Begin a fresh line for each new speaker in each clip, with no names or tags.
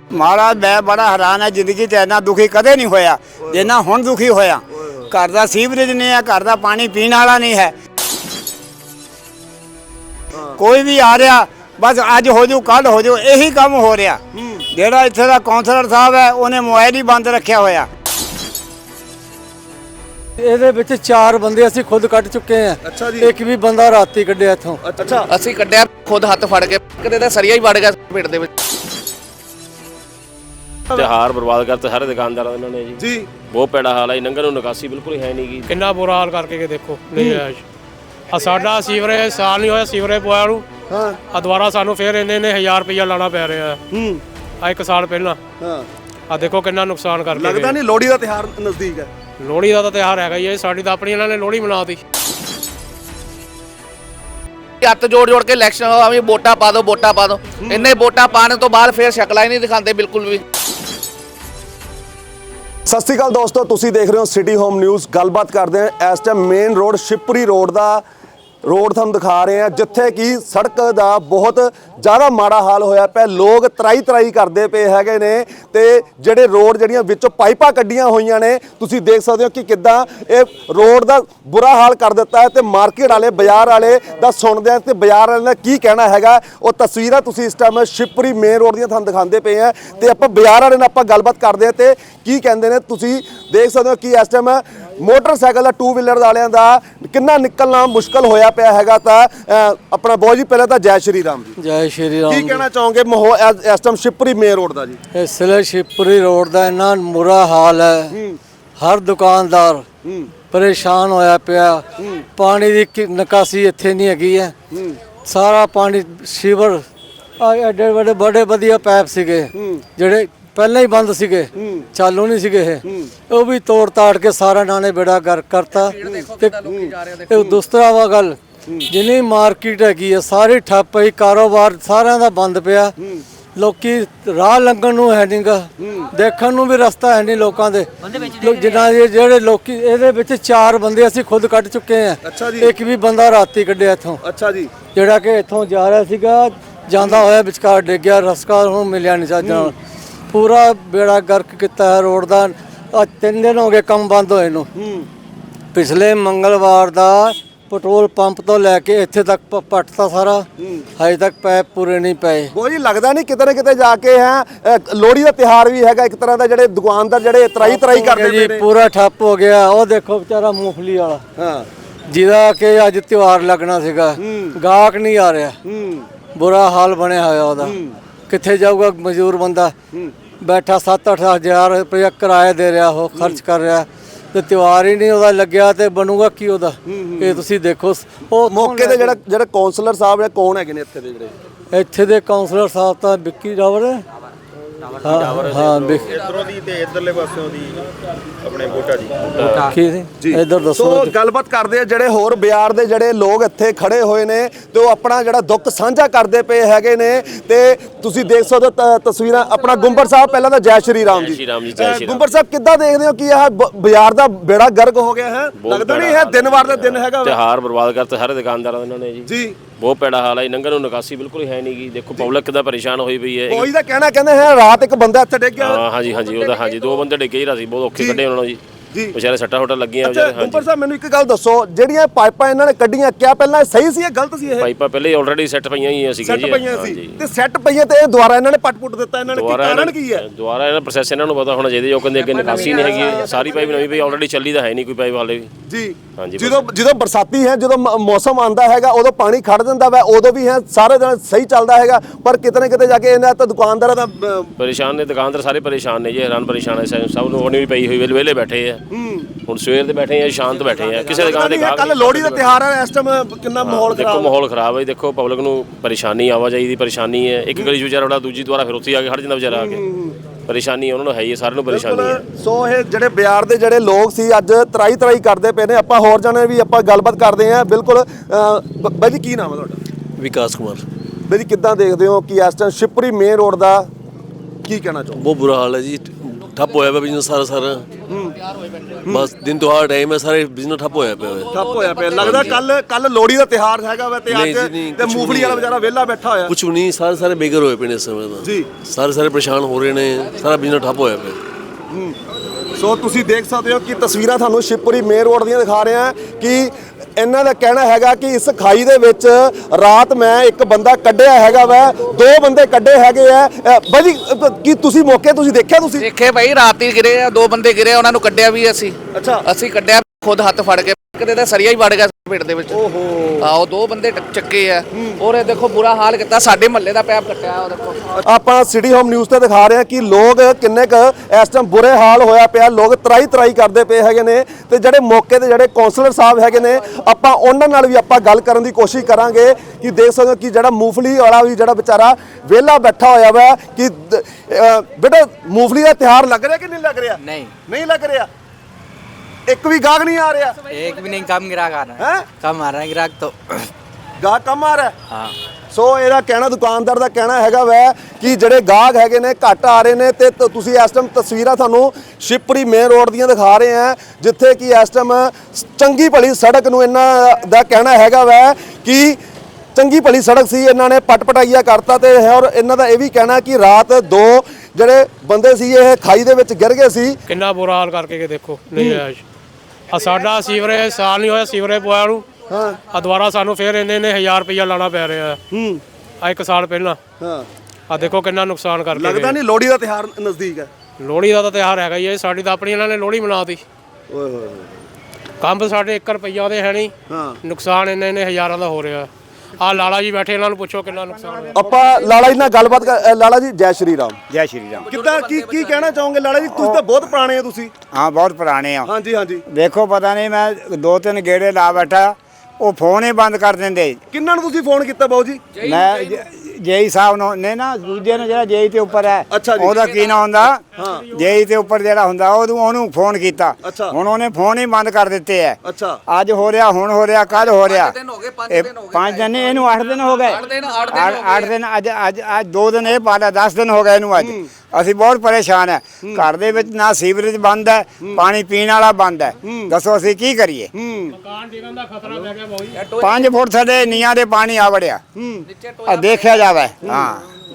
महाराज मैं बड़ा हैरान है, जिंदगी च इन्ना दुखी कदे नहीं होया जिन्ना हुण दुखी होया। घर दा सीवरेज नहीं है, घर दा पानी पीने वाला नहीं है। कोई भी आ रहा बस अज हो जू कल हो जू, यही काम हो रहा। जेड़ा इत्थे दा कौंसलर साहब है उन्हें मोबाइल ही बंद रखा होया।
ਇਹਦੇ ਵਿੱਚ 4 ਬੰਦੇ ਅਸੀਂ ਖੁਦ ਕੱਢ ਚੁੱਕੇ ਆ।
ਅੱਛਾ ਜੀ।
ਇੱਕ ਵੀ ਬੰਦਾ ਰਾਤੀ ਕੱਢਿਆ ਇੱਥੋਂ।
ਅੱਛਾ
ਅਸੀਂ ਕੱਢਿਆ ਖੁਦ ਹੱਥ ਫੜ ਕੇ, ਕਦੇ ਤਾਂ ਸਰੀਆ ਹੀ ਵੜ ਗਿਆ ਪੇਟ ਦੇ ਵਿੱਚ।
ਤਿਉਹਾਰ ਬਰਬਾਦ ਕਰਤੇ ਸਾਰੇ ਦੁਕਾਨਦਾਰਾਂ ਇਹਨਾਂ ਨੇ
ਜੀ।
ਬਹੁਤ ਭੈੜਾ ਹਾਲ ਹੈ, ਲੰਘਣ ਨੂੰ ਨਿਕਾਸੀ ਬਿਲਕੁਲ ਹੀ ਹੈ ਨਹੀਂ ਗੀ।
ਕਿੰਨਾ ਬੁਰਾ ਹਾਲ ਕਰਕੇ ਦੇਖੋ ਨਜਾਇਜ਼ ਆ। ਸਾਡਾ ਸੀਵਰੇਜ ਸਾਲ ਨਹੀਂ ਹੋਇਆ ਸੀਵਰੇਜ ਪਵਾਇਆ ਨੂੰ।
ਹਾਂ
ਆ ਦੁਬਾਰਾ ਸਾਨੂੰ ਫੇਰ ਇੰਨੇ 1000 ਰੁਪਇਆ ਲਾਣਾ ਪੈ ਰਿਹਾ ਆ 1 ਸਾਲ ਪਹਿਲਾਂ।
ਹਾਂ
ਆ ਦੇਖੋ ਕਿੰਨਾ ਨੁਕਸਾਨ ਕਰਕੇ
ਲੱਗਦਾ ਨਹੀਂ ਲੋਹੜੀ ਦਾ ਤਿਉਹਾਰ ਨਜ਼ਦੀਕ ਹੈ।
ਲੋਹੜੀ ਦਾ ਤਾਂ ਤਿਉਹਾਰ ਹੈਗਾ ਹੀ ਹੈ, ਸਾਡੀ ਤਾਂ ਆਪਣੀ ਇਹਨਾਂ ਨੇ ਲੋਹੜੀ ਮਨਾਤੀ।
ਹੱਥ ਜੋੜ ਜੋੜ ਕੇ ਇਲੈਕਸ਼ਨ ਆਵੇ, ਵੋਟਾਂ ਪਾ ਦਿਓ ਵੋਟਾਂ ਪਾ ਦਿਓ। ਇੰਨੇ ਵੋਟਾਂ ਪਾਣ ਤੋਂ ਬਾਅਦ ਫੇਰ ਸ਼ਕਲਾਂ ਹੀ ਨਹੀਂ ਦਿਖਾਉਂਦੇ ਬਿਲਕੁਲ ਵੀ।
ਸਤਿ ਸ਼੍ਰੀ ਅਕਾਲ ਦੋਸਤੋ, ਤੁਸੀਂ ਦੇਖ ਰਹੇ ਹੋ ਸਿਟੀ ਹੋਮ ਨਿਊਜ਼। ਗੱਲਬਾਤ ਕਰਦੇ ਹਾਂ ਇਸ time main road Shivpuri road ਦਾ ਰੋਡ ਤੁਹਾਨੂੰ ਦਿਖਾ ਰਹੇ ਹਾਂ, ਜਿੱਥੇ ਕਿ ਸੜਕ ਦਾ ਬਹੁਤ ਜ਼ਿਆਦਾ ਮਾੜਾ ਹਾਲ ਹੋਇਆ ਪਿਆ। ਲੋਕ ਤਰਾਈ ਕਰਦੇ ਪਏ ਹੈਗੇ ਨੇ ਤੇ ਜਿਹੜੇ ਰੋਡ ਜਿਹੜੀਆਂ ਵਿੱਚੋਂ ਪਾਈਪਾਂ ਕੱਢੀਆਂ ਹੋਈਆਂ ਨੇ, ਤੁਸੀਂ ਦੇਖ ਸਕਦੇ ਹੋ ਕਿ ਕਿੱਦਾਂ ਇਹ ਰੋਡ ਦਾ ਬੁਰਾ ਹਾਲ ਕਰ ਦਿੱਤਾ ਹੈ। ਤੇ ਮਾਰਕੀਟ ਵਾਲੇ ਬਾਜ਼ਾਰ ਵਾਲੇ ਦਾ ਸੁਣਦੇ ਆ ਤੇ ਬਾਜ਼ਾਰ ਵਾਲੇ ਦਾ ਕੀ ਕਹਿਣਾ ਹੈਗਾ, ਉਹ ਤਸਵੀਰਾਂ ਤੁਸੀਂ ਇਸ ਟਾਈਮ ਸ਼ਿਵਪੁਰੀ ਮੇਨ ਰੋਡ ਦੀਆਂ ਤੁਹਾਨੂੰ ਦਿਖਾਉਂਦੇ ਪਏ ਆ। ਤੇ ਆਪਾਂ ਬਾਜ਼ਾਰ ਵਾਲੇ ਨਾਲ ਆਪਾਂ ਗੱਲਬਾਤ ਕਰਦੇ ਆ ਤੇ ਕੀ ਕਹਿੰਦੇ ਨੇ, ਤੁਸੀਂ ਦੇਖ ਸਕਦੇ ਹੋ ਕਿ ਇਸ ਟਾਈਮ ਮੋਟਰਸਾਈਕਲ ਦਾ 2 ਵੀਲਰ ਵਾਲਿਆਂ ਦਾ ਕਿੰਨਾ ਨਿਕਲਣਾ ਮੁਸ਼ਕਲ ਹੋਇਆ ਪਿਆ ਹੈਗਾ। ਤਾਂ ਆਪਣਾ ਬਹੁਤ ਜੀ ਪਹਿਲਾਂ ਤਾਂ ਜੈ ਸ਼੍ਰੀ ਰਾਮ ਜੀ।
ਜੈ ਸ਼੍ਰੀ ਰਾਮ।
ਕੀ ਕਹਿਣਾ ਚਾਹੋਗੇ ਇਸ ਟਾਈਮ ਸ਼ਿਵਪੁਰੀ ਮੇਨ ਰੋਡ ਦਾ ਜੀ?
ਇਸ ਵੇਲੇ ਸ਼ਿਵਪੁਰੀ ਰੋਡ ਦਾ ਇੰਨਾ ਬੁਰਾ ਹਾਲ ਹੈ, ਹਰ ਦੁਕਾਨਦਾਰ ਪਰੇਸ਼ਾਨ ਹੋਇਆ ਪਿਆ। ਪਾਣੀ ਦੀ ਨਿਕਾਸੀ ਇੱਥੇ ਨਹੀਂ ਹੈਗੀ ਹੈ। ਸਾਰਾ ਪਾਣੀ ਸੀਵਰ ਐਡੇ ਬੜੇ ਵਧੀਆ ਪਾਈਪ ਸੀਗੇ ਜਿਹੜੇ ਪਹਿਲਾਂ ਹੀ ਬੰਦ ਸੀਗੇ, ਚਾਲੂ ਨਹੀਂ ਸੀਗੇ ਇਹ, ਉਹ ਵੀ ਤੋੜ ਤਾੜ ਕੇ ਸਾਰਾ ਨਾਲੇ ਬੇੜਾ ਗਰਕ ਕਰਤਾ। ਤੇ ਇਹ ਦੂਸਰਾ ਵਾ ਗੱਲ, ਜਿੰਨੀ ਮਾਰਕੀਟ ਹੈਗੀ ਹੈ ਸਾਰੀ ਠੱਪ ਹੈ, ਕਾਰੋਬਾਰ ਸਾਰਿਆਂ ਦਾ ਬੰਦ ਪਿਆ। ਲੋਕੀ ਰਾਹ ਲੰਘਣ ਨੂੰ ਹੈ ਨਹੀਂਗਾ, ਦੇਖਣ ਨੂੰ ਵੀ ਰਸਤਾ ਹੈ ਨਹੀਂ ਲੋਕਾਂ ਦੇ। ਜਿਨ੍ਹਾਂ ਦੇ ਜਿਹੜੇ ਲੋਕੀ ਇਹਦੇ ਵਿੱਚ 4 ਬੰਦੇ ਅਸੀਂ ਖੁਦ ਕੱਢ ਚੁੱਕੇ ਆ। ਇੱਕ ਵੀ ਬੰਦਾ ਰਾਤੀ ਕੱਢਿਆ ਇੱਥੋਂ। ਅੱਛਾ ਜੀ। ਜਿਹੜਾ ਕਿ ਇੱਥੋਂ ਜਾ ਰਿਹਾ ਸੀਗਾ, ਜਾਂਦਾ ਹੋਇਆ ਵਿਚਕਾਰ ਡਿੱਗ ਗਿਆ, ਰਸਤਾ ਹੁਣ ਮਿਲਿਆ ਨਹੀਂ ਚੱਜ ਨਾਲ। ਪੂਰਾ ਬੇੜਾ ਗਰਕ ਕੀਤਾ ਹੈ ਰੋਡ ਦਾ। 3 ਦਿਨ ਹੋ ਗਏ ਕੰਮ ਬੰਦ ਹੋਏ ਨੂੰ। ਪਿਛਲੇ ਮੰਗਲਵਾਰ ਦਾ ਪੈਟਰੋਲ ਪੰਪ ਤੋਂ ਲੈ ਕੇ ਇੱਥੇ ਤੱਕ ਪੱਟਤਾ ਸਾਰਾ, ਹਜੇ ਤੱਕ ਪੈਪ ਪੂਰੇ ਨਹੀਂ ਪਏ।
ਕੋਈ ਲੱਗਦਾ ਨਹੀਂ ਕਿਤੇ ਨਾ ਕਿਤੇ ਜਾ ਕੇ ਹੈ ਲੋਹੜੀ ਦਾ ਤਿਉਹਾਰ ਵੀ ਹੈਗਾ ਇੱਕ ਤਰ੍ਹਾਂ ਦਾ, ਜਿਹੜੇ ਦੁਕਾਨਦਾਰ ਜਿਹੜੇ ਤਰਾਈ ਕਰਦੇ
ਜੀ ਪੂਰਾ ਠੱਪ ਹੋ ਗਿਆ। ਉਹ ਦੇਖੋ ਵਿਚਾਰਾ ਮੂੰਗਫਲੀ ਵਾਲਾ,
ਹਾਂ,
ਜਿਹਦਾ ਕਿ ਅੱਜ ਤਿਉਹਾਰ ਲੱਗਣਾ ਸੀਗਾ, ਗਾਹਕ ਨਹੀਂ ਆ ਰਿਹਾ। ਬੁਰਾ ਹਾਲ ਬਣਿਆ ਹੋਇਆ ਉਹਦਾ। ਕਿੱਥੇ ਜਾਊਗਾ ਮਜ਼ਦੂਰ ਬੰਦਾ? ਬੈਠਾ 7-8 ਹਜ਼ਾਰ ਰੁਪਇਆ ਕਿਰਾਇਆ ਦੇ ਰਿਹਾ, ਉਹ ਖਰਚ ਕਰ ਰਿਹਾ ਤੇ ਤਿਉਹਾਰ ਹੀ ਨਹੀਂ ਉਹਦਾ ਲੱਗਿਆ ਤੇ ਬਣੂਗਾ ਕੀ ਉਹਦਾ? ਇਹ ਤੁਸੀਂ ਦੇਖੋ। ਉਹ
ਮੌਕੇ ਤੇ ਜਿਹੜਾ ਕੌਂਸਲਰ ਸਾਹਿਬ ਨੇ ਕੌਣ ਹੈਗੇ ਨੇ ਇੱਥੇ ਦੇ? ਜਿਹੜੇ
ਇੱਥੇ ਦੇ ਕੌਂਸਲਰ ਸਾਹਿਬ ਤਾਂ ਵਿੱਕੀ ਰਾਵਰ। ਹਾਂ
ਇਧਰੋਂ ਦੀ ਤੇ ਇਧਰਲੇ ਪਾਸਿਓਂ ਦੀ ਆਪਣੇ ਬੋਟਾ
ਜੀ ਇਧਰ ਦੱਸੋ।
ਸੋ ਗੱਲਬਾਤ ਕਰਦੇ ਆ ਜਿਹੜੇ ਹੋਰ ਬਾਜ਼ਾਰ ਦੇ ਜਿਹੜੇ ਲੋਕ ਇੱਥੇ ਖੜੇ ਹੋਏ ਨੇ ਤੇ ਉਹ ਆਪਣਾ ਜਿਹੜਾ ਦੁੱਖ ਸਾਂਝਾ ਕਰਦੇ ਪਏ ਹੈਗੇ ਨੇ। ਤੇ ਤੁਸੀਂ ਦੇਖ ਸਕਦੇ ਹੋ ਤਸਵੀਰਾਂ। ਆਪਣਾ ਗੁੰਬਰ ਸਾਹਿਬ ਪਹਿਲਾਂ ਤਾਂ ਜੈ ਸ਼੍ਰੀ ਰਾਮ ਜੀ। ਗੁੰਬਰ ਸਾਹਿਬ ਕਿੱਦਾਂ ਦੇਖਦੇ ਹੋ ਕਿ ਇਹ ਬਾਜ਼ਾਰ ਦਾ ਬੇੜਾ ਗਰਕ ਹੋ ਗਿਆ ਹੈ? ਲੱਗਦਾ ਨਹੀਂ ਹੈ ਦਿਨ ਵਾਰ ਦਾ ਦਿਨ ਹੈਗਾ।
ਤਿਉਹਾਰ ਬਰਬਾਦ ਕਰਤੇ ਸਾਰੇ ਦੁਕਾਨਦਾਰਾਂ ਇਹਨਾਂ ਨੇ
ਜੀ।
ਬਹੁਤ ਭੈੜਾ ਹਾਲ ਹੈ, ਲੰਘਣ ਨੂੰ ਨਿਕਾਸੀ ਬਿਲਕੁਲ ਹੀ ਹੈ ਨਹੀਂ ਗੀ। ਦੇਖੋ ਪਬਲਿਕ ਕਿੱਦਾਂ ਪਰੇਸ਼ਾਨ ਹੋਈ ਪਈ ਹੈ।
ਕੋਈ ਦਾ ਕਹਿਣਾ ਕਹਿੰਦੇ ਹੈ ਰਾਤ ਇੱਕ ਬੰਦਾ ਇੱਥੇ ਡਿੱਗ ਗਿਆ।
ਹਾਂ ਹਾਂਜੀ ਉਹਦਾ ਹਾਂਜੀ 2 ਬੰਦੇ ਡਿੱਗੇ ਹੀ ਰਾਤੀ, ਬਹੁਤ ਔਖੇ ਕੱਢੇ ਉਹਨਾਂ ਨੂੰ ਜੀ। ਵਿਚਾਰੇ ਸੱਟਾਂ ਫੋਟਾਂ ਲੱਗੀਆਂ ਵਿਚਾਰੇ।
ਗੁੰਬਰ ਸਾਹਿਬ ਮੈਨੂੰ ਇੱਕ ਗੱਲ ਦੱਸੋ, ਜਿਹੜੀਆਂ ਪਾਈਪਾਂ ਇਹਨਾਂ ਨੇ ਕੱਢੀਆਂ, ਕਿਆ ਪਹਿਲਾਂ ਸਹੀ ਸੀ ਜਾਂ ਗਲਤ ਸੀ? ਇਹ
ਪਾਈਪਾਂ ਪਹਿਲੇ ਆਲਰੇਡੀ ਸੈੱਟ ਪਈਆਂ ਹੀ ਸੀਗੀਆਂ ਜੀ।
ਸੈੱਟ ਪਈਆਂ ਸੀ ਤੇ ਸੈੱਟ ਪਈਆਂ ਤੇ ਇਹ ਦੁਬਾਰਾ ਇਹਨਾਂ ਨੇ ਪੱਟ ਦਿੱਤਾ। ਇਹਨਾਂ ਨੇ ਕੀ ਕਾਰਨ ਕੀ ਹੈ?
ਦੁਬਾਰਾ ਇਹਨਾਂ ਪ੍ਰੋਸੈਸ ਇਹਨਾਂ ਨੂੰ ਪਤਾ ਹੋਣਾ ਚਾਹੀਦਾ। ਜੋ ਕਹਿੰਦੇ ਅੱਗੇ ਨਿਕਾਸੀ ਨਹੀਂ ਹੈਗੀ, ਸਾਰੀ ਪਾਈਪ ਨਵੀਂ ਪਈ ਆਲਰੇਡੀ ਚੱਲੀ ਤਾਂ ਹੈ ਨਹੀਂ ਕੋਈ ਪਾਈਪ ਹਾਲੇ ਵੀ
ਜੀ।
ਹਾਂਜੀ।
ਜਦੋਂ ਬਰਸਾਤੀ ਹੈ, ਜਦੋਂ ਮੌਸਮ ਆਉਂਦਾ ਹੈਗਾ ਉਦੋਂ ਪਾਣੀ ਖੜ ਜਾਂਦਾ ਵਾ, ਉਦੋਂ ਵੀ ਹੈ ਸਾਰੇ ਦਿਨ ਸਹੀ ਚੱਲਦਾ ਹੈਗਾ। ਪਰ ਕਿਤੇ ਨਾ ਕਿਤੇ ਜਾ ਕੇ ਇਹਨਾਂ ਤਾਂ ਦੁਕਾਨਦਾਰਾਂ ਦਾ
ਪਰੇਸ਼ਾਨ ਨੇ, ਦੁਕਾਨਦਾਰ ਸਾਰੇ ਪਰੇਸ਼ਾਨ ਨੇ ਜੀ, ਹੈਰਾਨ ਪਰੇਸ਼ਾਨ ਹੈ। ਸਭ ਨੂੰ ਹੋਣੀ ਵੀ ਪਈ ਹੋਈ ਵਿਹਲੇ ਬੈਠੇ ਆ। ਹੁਣ ਸਵੇਰ ਦੇ ਬੈਠੇ ਆ, ਸ਼ਾਂਤ ਬੈਠੇ ਆ, ਕਿਸੇ ਦੁਕਾਨ ਦੇ
ਕੱਲ ਲੋਹੜੀ ਦਾ ਤਿਉਹਾਰ ਹੈ, ਇਸ ਟਾਈਮ ਕਿੰਨਾ ਮਾਹੌਲ ਖਰਾਬ।
ਦੇਖੋ ਮਾਹੌਲ ਖਰਾਬ ਹੈ। ਦੇਖੋ ਪਬਲਿਕ ਨੂੰ ਪਰੇਸ਼ਾਨੀ, ਆਵਾਜਾਈ ਦੀ ਪਰੇਸ਼ਾਨੀ ਹੈ। ਇੱਕ ਗਲੀ 'ਚ ਵਿਚਾਰਾ ਦੂਜੀ ਦੁਆਰਾ ਫਿਰ ਉੱਥੇ ਆ ਕੇ ਖੜ ਜਾਂਦਾ ਵਿਚਾਰਾ ਆ ਕੇ। ਪਰੇਸ਼ਾਨੀ ਉਹਨਾਂ ਨੂੰ ਹੈ ਹੀ, ਸਾਰਿਆਂ ਨੂੰ ਪਰੇਸ਼ਾਨੀ ਹੈ।
ਸੋ ਇਹ ਜਿਹੜੇ ਬਾਜ਼ਾਰ ਦੇ ਜਿਹੜੇ ਲੋਕ ਸੀ ਅੱਜ ਤਰਾਈ ਕਰਦੇ ਪਏ ਨੇ। ਆਪਾਂ ਹੋਰ ਜਾਣੇ ਵੀ ਆਪਾਂ ਗੱਲਬਾਤ ਕਰਦੇ ਹਾਂ। ਬਿਲਕੁਲ ਬਾਈ ਜੀ, ਕੀ ਨਾਮ ਹੈ ਤੁਹਾਡਾ?
ਵਿਕਾਸ ਕੁਮਾਰ।
ਬਾਈ ਜੀ ਕਿੱਦਾਂ ਦੇਖਦੇ ਹੋ ਕਿ ਇਸ ਟਾਈਮ ਸ਼ਿਵਪੁਰੀ ਮੇਨ ਰੋਡ ਦਾ ਕੀ ਕਹਿਣਾ ਚਾਹੋ?
ਬਹੁਤ ਬੁਰਾ ਹਾਲ ਹੈ ਜੀ, ਠੱਪ ਹੋਇਆ ਪਿਆ ਬਿਜ਼ਨਸ ਸਾਰਾ। ਬਸ ਦਿਨ ਤਿਉਹਾਰ ਟਾਈਮ ਹੈ, ਸਾਰੇ ਬਿਜ਼ਨਸ ਠੱਪ ਹੋਇਆ ਪਿਆ ਹੈ।
ਠੱਪ ਹੋਇਆ ਪਿਆ ਲੱਗਦਾ। ਕੱਲ ਲੋਹੜੀ ਦਾ ਤਿਉਹਾਰ ਹੈਗਾ ਵਾ ਤੇ
ਨਹੀਂ
ਅੱਜ
ਜੀ, ਨਹੀਂ,
ਤੇ
ਕੁਛ
ਮੂੰਗਫਲੀ ਵਾਲਾ ਵਿਚਾਰਾ ਵਿਹਲਾ ਬੈਠਾ ਹੋਇਆ।
ਕੁਛ ਵੀ ਨਹੀਂ, ਸਾਰੇ ਬੇਘਰ ਹੋਏ ਪਏ ਨੇ ਇਸ ਸਮੇਂ ਤਾਂ
ਜੀ।
ਸਾਰੇ ਪਰੇਸ਼ਾਨ ਹੋ ਰਹੇ ਨੇ, ਸਾਰਾ ਬਿਜ਼ਨਸ ਠੱਪ ਹੋਇਆ ਪਿਆ।
ਸੋ ਤੁਸੀਂ ਦੇਖ ਸਕਦੇ ਹੋ ਕਿ ਤਸਵੀਰਾਂ ਤੁਹਾਨੂੰ ਸ਼ਿਵਪੁਰੀ ਮੇਨ ਰੋਡ ਦੀਆਂ ਦਿਖਾ ਰਹੇ ਹਾਂ ਕਿ ਇਹਨਾਂ ਦਾ ਕਹਿਣਾ ਹੈਗਾ ਕਿ ਇਸ ਖਾਈ ਦੇ ਵਿੱਚ ਰਾਤ ਮੈਂ ਇੱਕ ਬੰਦਾ ਕੱਢਿਆ ਹੈਗਾ ਵਾ, 2 ਬੰਦੇ ਕੱਢੇ ਹੈਗੇ ਆ। ਬਾਜੀ ਕੀ ਤੁਸੀਂ ਮੌਕੇ ਤੁਸੀਂ ਦੇਖਿਆ? ਤੁਸੀਂ
ਦੇਖੇ ਭਾਈ ਰਾਤੀ ਗਿਰੇ ਆ, 2 ਬੰਦੇ ਗਿਰੇ, ਉਹਨਾਂ ਨੂੰ ਕੱਢਿਆ ਵੀ ਅਸੀਂ।
ਅੱਛਾ।
ਅਸੀਂ ਕੱਢਿਆ ਖੁਦ ਹੱਥ ਫੜ ਕੇ, ਕਿਤੇ ਤਾਂ ਸਰੀਆ ਹੀ ਵੜ ਗਿਆ ਪੇਟ ਦੇ ਵਿੱਚ।
ਓਹੋ।
ਆਹੋ 2 ਬੰਦੇ ਚੱਕੇ ਆ। ਔਰ ਇਹ ਦੇਖੋ ਬੁਰਾ ਹਾਲ ਕੀਤਾ, ਸਾਡੇ ਮਹੱਲੇ ਦਾ ਪੈਪ ਕੱਟਿਆ ਉਹ ਦੇਖੋ।
ਆਪਾਂ ਸਿਟੀ ਹੋਮ ਨਿਊਜ਼ ਤੇ ਦਿਖਾ ਰਹੇ ਹਾਂ ਕਿ ਲੋਕ ਕਿੰਨੇ ਕ ਇਸ ਟਾਈਮ ਬੁਰੇ ਹਾਲ ਹੋਇਆ ਪਿਆ, ਲੋਕ ਤਰਾਈ ਕਰਦੇ ਪਏ ਹੈਗੇ ਨੇ ਤੇ ਜਿਹੜੇ ਮੌਕੇ ਤੇ ਜਿਹੜੇ ਕਾਉਂਸਲਰ ਸਾਹਿਬ ਹੈਗੇ ਨੇ ਆਪਾਂ ਉਹਨਾਂ ਨਾਲ ਵੀ ਆਪਾਂ ਗੱਲ ਕਰਨ ਦੀ ਕੋਸ਼ਿਸ਼ ਕਰਾਂਗੇ ਕਿ ਦੇਖ ਸਕਦੇ ਹੋ ਕਿ ਜਿਹੜਾ ਮੂੰਗਫਲੀ ਵਾਲਾ ਵੀ ਜਿਹੜਾ ਵਿਚਾਰਾ ਵਿਹਲਾ ਬੈਠਾ ਹੋਇਆ ਵਾ ਕਿ ਬੇਟਾ ਮੂੰਗਫਲੀ ਦਾ ਤਿਉਹਾਰ ਲੱਗ ਰਿਹਾ ਕਿ ਨਹੀਂ ਲੱਗ ਰਿਹਾ? ਨਹੀਂ ਲੱਗ ਰਿਹਾ। ਇੱਕ ਵੀ ਗਾਹਕ ਨਹੀਂ ਆ ਰਿਹਾ।
एक भी नहीं, कम ग्राहक आ रहा है।
ਹੈ
कम आ रहा है ग्राहक तो।
ਗਾਹਕ ਕਮ ਆ ਰਿਹਾ।
हाँ।
ਸੋ ਇਹਦਾ ਕਹਿਣਾ, ਦੁਕਾਨਦਾਰ ਦਾ ਕਹਿਣਾ ਹੈਗਾ ਵੈ ਕਿ ਜਿਹੜੇ ਗਾਹਕ ਹੈਗੇ ਨੇ ਘੱਟ ਆ ਰਹੇ ਨੇ ਤੇ ਤੁਸੀਂ ਇਸ ਟਾਈਮ ਤਸਵੀਰਾਂ ਤੁਹਾਨੂੰ ਸ਼ਿਵਪੁਰੀ ਮੇਨ ਰੋਡ ਦੀਆਂ ਦਿਖਾ ਰਹੇ ਆ ਜਿੱਥੇ ਕਿ ਇਸ ਟਾਈਮ ਚੰਗੀ ਭਲੀ ਸੜਕ ਨੂੰ ਇਹਨਾਂ ਦਾ ਕਹਿਣਾ ਹੈਗਾ ਵੈ ਕਿ ਚੰਗੀ ਭਲੀ ਸੜਕ ਸੀ, ਇਹਨਾਂ ਨੇ ਪਟਪਟਾਈਆ ਕਰਤਾ ਤੇ ਔਰ ਇਹਨਾਂ ਦਾ ਇਹ ਵੀ ਕਹਿਣਾ ਕਿ ਰਾਤ 2 ਜਿਹੜੇ ਬੰਦੇ ਸੀ ਇਹ ਖਾਈ ਦੇ ਵਿੱਚ ਗਿਰ ਗਏ ਸੀ।
ਕਿੰਨਾ ਬੁਰਾ ਹਾਲ ਕਰਕੇ ਕਿ ਦੇਖੋ ਨਜਾਇਜ਼ ਆ ਸਾਡਾ ਸੀਵਰੇਜ ਸਾਲ ਨਹੀਂ ਹੋਇਆ ਸੀਵਰੇਜ ਪਵਾਇਆ ਨੂੰ।
ਹਾਂ।
ਆ ਦੁਬਾਰਾ ਸਾਨੂੰ ਫੇਰ ਇੰਨੇ 1000 ਰੁਪਇਆ ਲਾਣਾ ਪੈ ਰਿਹਾ ਆ 1 ਸਾਲ ਪਹਿਲਾਂ।
ਹਾਂ।
ਆ ਦੇਖੋ ਕਿੰਨਾ ਨੁਕਸਾਨ ਕਰਕੇ
ਲੱਗਦਾ ਨਹੀਂ ਲੋਹੜੀ ਦਾ ਤਿਉਹਾਰ ਨਜ਼ਦੀਕ ਹੈ।
ਲੋਹੜੀ ਦਾ ਤਾਂ ਤਿਉਹਾਰ ਹੈਗਾ ਹੀ ਹੈ, ਸਾਡੀ ਤਾਂ ਆਪਣੀ ਇਹਨਾਂ ਨੇ ਲੋਹੜੀ ਮਨਾਤੀ।
ਓਏ ਹੋਏ।
ਕੰਮ ਸਾਡੇ 1 ਰੁਪਈਆ ਦੇ ਹੈ ਨਹੀਂ,
ਹਾਂ।
ਨੁਕਸਾਨ ਇੰਨੇ ਹਜ਼ਾਰਾਂ ਦਾ ਹੋ ਰਿਹਾ। ਆ ਲਾਲਾ ਜੀ ਬੈਠੇ, ਇਹਨਾਂ ਨੂੰ ਪੁੱਛੋ ਕਿੰਨਾ ਨੁਕਸਾਨ ਹੋਇਆ।
ਆਪਾਂ ਲਾਲਾ ਜੀ ਨਾਲ ਗੱਲਬਾਤ ਲਾਲਾ ਜੀ ਜੈ ਸ਼੍ਰੀ ਰਾਮ।
ਜੈ ਸ਼੍ਰੀ ਰਾਮ।
ਕਿੱਦਾਂ ਕੀ ਕਹਿਣਾ ਚਾਹੋਗੇ ਲਾਲਾ ਜੀ? ਤੁਸੀਂ ਤਾਂ ਬਹੁਤ ਪੁਰਾਣੇ ਹੋ ਤੁਸੀਂ।
ਹਾਂ ਬਹੁਤ ਪੁਰਾਣੇ ਆ।
ਹਾਂਜੀ ਹਾਂਜੀ।
ਦੇਖੋ ਪਤਾ ਨਹੀਂ ਮੈਂ 2-3 ਗੇੜੇ ਲਾ ਬੈਠਾ, ਉਹ ਫੋਨ ਹੀ ਬੰਦ ਕਰ ਦਿੰਦੇ।
ਕਿੰਨਾਂ ਨੂੰ ਤੁਸੀਂ ਫੋਨ ਕੀਤਾ ਬਾਊ ਜੀ?
ਮੈਂ ਜੇਈ ਸਾਹਿਬ ਨੂੰ ਨੇ ਨਾ, ਦੂਜੇ ਨੂੰ ਜਿਹੜਾ ਜੇਈ ਤੇ ਉੱਪਰ ਹੈ
ਅੱਛਾ ਜੀ।
ਉਹਦਾ ਕੀ ਨਾ ਹੁੰਦਾ, ਜੇਈ ਤੇ ਉੱਪਰ ਜਿਹੜਾ ਹੁੰਦਾ ਉਹਨੂੰ ਫੋਨ ਕੀਤਾ।
ਅੱਛਾ।
ਹੁਣ ਉਹਨੇ ਫੋਨ ਹੀ ਬੰਦ ਕਰ ਦਿੱਤੇ ਐ।
ਅੱਛਾ।
ਅੱਜ ਹੋ ਰਿਹਾ, ਹੁਣ ਹੋ ਰਿਹਾ, ਕੱਲ ਹੋ ਰਿਹਾ।
5 ਦਿਨ ਹੋ ਗਏ,
5 ਦਿਨ ਨਹੀਂ, ਇਹਨੂੰ 8 ਦਿਨ ਹੋ ਗਏ। 8 ਦਿਨ ਅੱਜ 2 ਦਿਨ ਇਹ ਪਾਲਾ, 10 ਦਿਨ ਹੋ ਗਏ ਇਹਨੂੰ ਅੱਜ। ਅਸੀਂ ਬਹੁਤ ਪਰੇਸ਼ਾਨ ਹੈ। ਘਰ ਦੇ ਵਿੱਚ ਨਾ ਸੀਵਰੇਜ ਬੰਦ ਹੈ, ਪਾਣੀ ਪੀਣ ਵਾਲਾ ਬੰਦ ਹੈ। ਦੱਸੋ ਅਸੀਂ ਕੀ ਕਰੀਏ?
ਮਕਾਨ ਡਿੱਗਣ ਦਾ ਖਤਰਾ ਪੈ ਗਿਆ ਬਹੁਤ।
5 ਫੁੱਟ ਥੱਲੇ ਨੀਆਂ ਦੇ ਪਾਣੀ ਆ ਵੜਿਆ। ਆ ਦੇਖਿਆ ਜਾਵੇ। ਹਾਂ।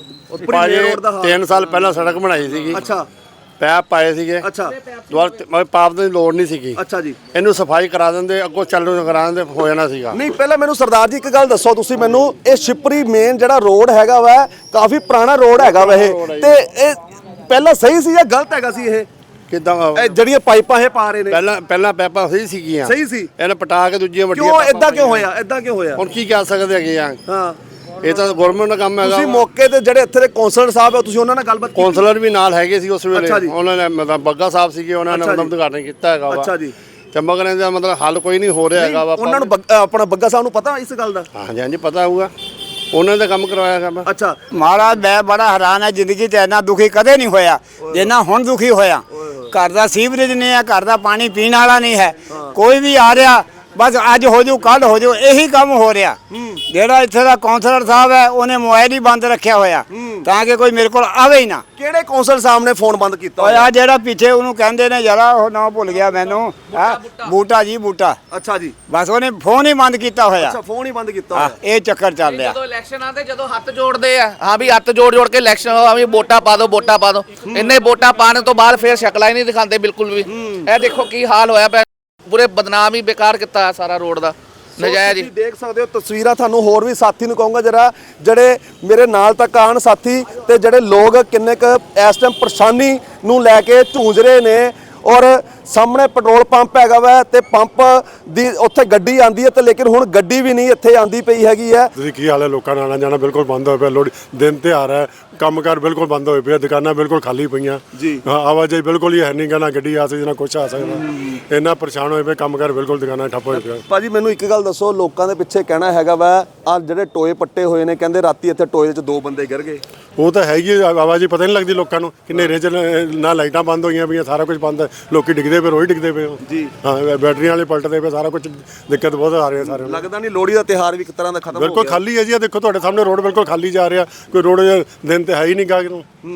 ਭਾਜੀ
3 ਸਾਲ ਪਹਿਲਾਂ ਸੜਕ ਬਣਾਈ ਸੀਗੀ।
ਅੱਛਾ।
ਪੈਪ ਪਾਏ ਸੀਗੇ।
ਅੱਛਾ।
ਦੁਆਰਾ ਪਾਪ ਦੀ ਲੋੜ ਨਹੀਂ ਸੀਗੀ।
ਅੱਛਾ ਜੀ।
ਇਹਨੂੰ ਸਫਾਈ ਕਰਾ ਦਿੰਦੇ, ਅੱਗੋਂ ਚੱਲ ਨੂੰ ਕਰਾ ਦਿੰਦੇ, ਹੋ ਜਾਣਾ ਸੀਗਾ।
ਨਹੀਂ ਪਹਿਲਾਂ ਮੈਨੂੰ ਸਰਦਾਰ ਜੀ ਇੱਕ ਗੱਲ ਦੱਸੋ ਤੁਸੀਂ ਮੈਨੂੰ, ਇਹ ਸ਼ਿਵਪੁਰੀ ਮੇਨ ਜਿਹੜਾ ਰੋਡ ਹੈਗਾ ਵਾ ਕਾਫੀ ਪੁਰਾਣਾ ਰੋਡ ਹੈਗਾ ਵਾ ਇਹ, ਤੇ ਇਹ ਪਹਿਲਾਂ ਸਹੀ ਸੀ ਜਾਂ ਗਲਤ ਹੈਗਾ ਸੀ? ਇਹ
ਕਿਦਾਂ
ਜਿਹੜੀਆਂ ਪਾਈਪਾਂ ਇਹ ਪਾ ਰਹੇ ਨੇ
ਪਹਿਲਾਂ ਪੈਪਾਂ ਸਹੀ ਸੀਗੀਆਂ।
ਸਹੀ ਸੀ।
ਇਹਨੇ ਪਟਾ ਕੇ ਦੂਜੀਆਂ ਵੱਡੀਆਂ
ਕਿਉਂ ਇਦਾਂ ਕਿਉਂ ਹੋਇਆ? ਇਦਾਂ ਕਿਉਂ ਹੋਇਆ?
ਹੁਣ ਕੀ ਕਹਿ ਸਕਦੇ ਹੈਗੇ ਆ?
ਹਾਂ।
ਇਹ ਤਾਂ ਗਵਰਨਮੈਂਟ ਦਾ ਕੰਮ ਹੈਗਾ।
ਤੁਸੀਂ ਮੌਕੇ ਤੇ ਜਿਹੜੇ ਇੱਥੇ ਦੇ ਕਾਉਂਸਲਰ ਸਾਹਿਬ ਆ ਤੁਸੀਂ ਉਹਨਾਂ ਨਾਲ ਗੱਲਬਾਤ ਕੀਤੀ?
ਕਾਉਂਸਲਰ ਵੀ ਨਾਲ ਹੈਗੇ ਸੀ ਉਸ ਵੇਲੇ।
ਅੱਛਾ ਜੀ।
ਉਹਨਾਂ ਨੇ ਮਤਲਬ ਬੱਗਾ ਸਾਹਿਬ ਸੀਗੇ, ਉਹਨਾਂ ਨੇ
ਅੱਛਾ ਜੀ।
ਮਤਲਬ ਉਦਘਾਟਨ ਕੀਤਾ ਹੈਗਾ ਵਾ।
ਅੱਛਾ ਜੀ।
ਤੇ ਮਗਰ ਇਹਦਾ ਮਤਲਬ ਹੱਲ ਕੋਈ ਨਹੀਂ ਹੋ ਰਿਹਾ ਹੈਗਾ ਵਾ।
ਉਹਨਾਂ ਨੂੰ ਆਪਣਾ ਬੱਗਾ ਸਾਹਿਬ ਨੂੰ ਪਤਾ ਇਸ ਗੱਲ ਦਾ?
ਹਾਂਜੀ ਹਾਂਜੀ ਪਤਾ ਹੋਊਗਾ, ਉਹਨਾਂ ਦਾ ਕੰਮ ਕਰਵਾਇਆ ਹੈਗਾ।
ਅੱਛਾ।
ਮਹਾਰਾਜ ਮੈਂ ਬੜਾ ਹੈਰਾਨ ਹੈ, ਜ਼ਿੰਦਗੀ 'ਚ ਇੰਨਾ ਦੁਖੀ ਕਦੇ ਨਹੀਂ ਹੋਇਆ ਜਿੰਨਾ ਹੁਣ ਦੁਖੀ ਹੋਇਆ। ਘਰ ਦਾ ਸੀਵਰੇਜ ਨਹੀਂ ਹੈ, ਘਰ ਦਾ ਪਾਣੀ ਪੀਣ ਵਾਲਾ ਨਹੀਂ ਹੈ। ਕੋਈ ਵੀ ਆ ਰਿਹਾ ਬਸ ਅੱਜ ਹੋ ਜੂ ਕੱਲ ਹੋ ਜੂ, ਇਹੀ ਕੰਮ ਹੋ ਰਿਹਾ। ਜਿਹੜਾ ਇੱਥੇ ਦਾ ਕਾਉਂਸਲਰ ਸਾਹਿਬ ਹੈ ਉਹਨੇ ਮੋਬਾਈਲ ਹੀ ਬੰਦ ਰੱਖਿਆ ਹੋਇਆ ਤਾਂ ਕਿ ਕੋਈ ਮੇਰੇ ਕੋਲ ਆਵੇ ਹੀ ਨਾ।
ਕਿਹੜੇ ਕਾਉਂਸਲਰ ਸਾਹਿਬ ਨੇ ਫੋਨ ਬੰਦ ਕੀਤਾ
ਓਏ ਆ ਜਿਹੜਾ ਪਿੱਛੇ ਉਹਨੂੰ ਕਹਿੰਦੇ ਨੇ ਜਰਾ, ਉਹ ਨਾ ਭੁੱਲ ਗਿਆ ਮੈਨੂੰ, ਬੂਟਾ ਜੀ ਬੂਟਾ।
ਅੱਛਾ ਜੀ।
ਬਸ ਉਹਨੇ ਫੋਨ ਹੀ ਬੰਦ ਕੀਤਾ ਹੋਇਆ।
ਅੱਛਾ ਫੋਨ ਹੀ ਬੰਦ ਕੀਤਾ ਹੋਇਆ।
ਇਹ ਚੱਕਰ ਚੱਲ ਰਿਹਾ।
ਜਦੋਂ ਇਲੈਕਸ਼ਨ ਆਉਂਦੇ, ਜਦੋਂ ਹੱਥ ਜੋੜਦੇ ਆ, ਹਾਂ ਵੀ ਹੱਥ ਜੋੜ ਕੇ ਇਲੈਕਸ਼ਨ ਆ ਵੀ ਵੋਟਾਂ ਪਾ ਦਿਓ, ਵੋਟਾਂ ਪਾ ਦਿਓ। ਇੰਨੇ ਵੋਟਾਂ ਪਾਣ ਤੋਂ ਬਾਅਦ ਫੇਰ ਸ਼ਕਲਾਂ ਹੀ ਨਹੀਂ ਦਿਖਾਉਂਦੇ ਬਿਲਕੁਲ ਵੀ। ਇਹ ਦੇਖੋ ਕੀ ਹਾਲ ਹੋਇਆ ਪਿਆ, ਪੂਰੇ ਬਦਨਾਮ ਹੀ ਬੇਕਾਰ ਕੀਤਾ ਸਾਰਾ ਰੋਡ ਦਾ, ਨਜਾਇਜ਼ ਹੀ।
ਤੁਸੀਂ ਦੇਖ ਸਕਦੇ ਹੋ ਤਸਵੀਰਾਂ, ਤੁਹਾਨੂੰ ਹੋਰ ਵੀ ਸਾਥੀ ਨੂੰ ਕਹੂੰਗਾ ਜਰਾ ਜਿਹੜੇ ਮੇਰੇ ਨਾਲ ਤੱਕ ਆਣ ਸਾਥੀ, ਤੇ ਜਿਹੜੇ ਲੋਕ ਕਿੰਨੇ ਕ ਇਸ ਟਾਈਮ ਪਰੇਸ਼ਾਨੀ ਨੂੰ ਲੈ ਕੇ ਝੂੰਝ ਰਹੇ ਨੇ। ਔਰ ਸਾਹਮਣੇ ਪੈਟਰੋਲ ਪੰਪ ਹੈਗਾ ਵਾ ਤੇ ਪੰਪ ਦੀ ਉੱਥੇ ਗੱਡੀ ਆਂਦੀ ਹੈ ਤੇ ਲੇਕਿਨ ਹੁਣ ਗੱਡੀ ਵੀ ਨਹੀਂ ਇੱਥੇ ਆਂਦੀ ਪਈ ਹੈਗੀ ਹੈ।
ਤੁਸੀਂ ਕੀ ਹਾਲ ਹੈ? ਲੋਕਾਂ ਦਾ ਆਣਾ ਜਾਣਾ ਬਿਲਕੁਲ ਬੰਦ ਹੋਇਆ ਪਿਆ। ਲੋੜ ਦਿਨ ਤਿਉਹਾਰ ਹੈ, ਕੰਮਕਾਰ ਬਿਲਕੁਲ ਬੰਦ ਹੋਏ ਪਿਆ, ਦੁਕਾਨਾਂ ਬਿਲਕੁਲ ਖਾਲੀ ਪਈਆਂ। ਹਾਂ, ਆਵਾਜਾਈ ਬਿਲਕੁਲ ਹੀ ਹੈ ਨਹੀਂ ਗਾ, ਨਾ ਗੱਡੀ ਆ ਸਕਦੀ ਨਾ ਕੁਛ ਆ ਸਕਦਾ। ਇੰਨਾ ਪਰੇਸ਼ਾਨ ਹੋਏ ਪਏ, ਕੰਮਕਾਰ ਬਿਲਕੁਲ ਦੁਕਾਨਾਂ ਠੱਪ ਹੋਏ ਪਿਆ।
ਭਾਜੀ ਮੈਨੂੰ ਇੱਕ ਗੱਲ ਦੱਸੋ, ਲੋਕਾਂ ਦੇ ਪਿੱਛੇ ਕਹਿਣਾ ਹੈਗਾ ਵਾ ਆ ਜਿਹੜੇ ਟੋਏ ਪੱਟੇ ਹੋਏ ਨੇ, ਕਹਿੰਦੇ ਰਾਤੀ ਇੱਥੇ ਟੋਏ 'ਚ 2 ਬੰਦੇ ਗਿਰ ਗਏ।
ਉਹ ਤਾਂ ਹੈਗੀ ਆਵਾਜਾਈ ਪਤਾ ਨਹੀਂ ਲੱਗਦੀ ਲੋਕਾਂ ਨੂੰ ਕਿ ਹਨੇਰੇ 'ਚ ਨਾ ਲਾਈਟਾਂ ਬੰਦ ਹੋਈਆਂ ਪਈਆਂ, ਸਾਰਾ ਕੁਝ ਬੰਦ ਹੈ। ਲੋਕੀ ਡਿੱਗਦੇ ਪਏ, ਰੋਜ਼ ਡਿੱਗਦੇ ਪਏ
ਜੀ।
ਹਾਂ, ਬੈਟਰੀਆਂ ਵਾਲੇ ਪਲਟਦੇ ਪਏ, ਸਾਰਾ ਕੁਝ ਦਿੱਕਤ ਬਹੁਤ ਆ ਰਹੀ ਹੈ ਸਾਰਿਆਂ ਨੂੰ।
ਲੱਗਦਾ ਨਹੀਂ ਲੋਹੜੀ ਦਾ ਤਿਉਹਾਰ ਵੀ ਇੱਕ ਤਰ੍ਹਾਂ ਦਾ ਖਤਮ ਹੋ ਗਿਆ।
ਬਿਲਕੁਲ ਖਾਲੀ ਹੈ ਜੀ, ਦੇਖੋ ਤੁਹਾਡੇ ਸਾਹਮਣੇ ਰੋਡ ਬਿਲਕੁਲ ਖਾਲੀ ਜਾ ਰਿਹਾ, ਕੋਈ ਰੋਡ ਦਿਨ ਤੇ ਹੈ ਹੀ ਨਹੀਂ ਗਾ ਨੂੰ।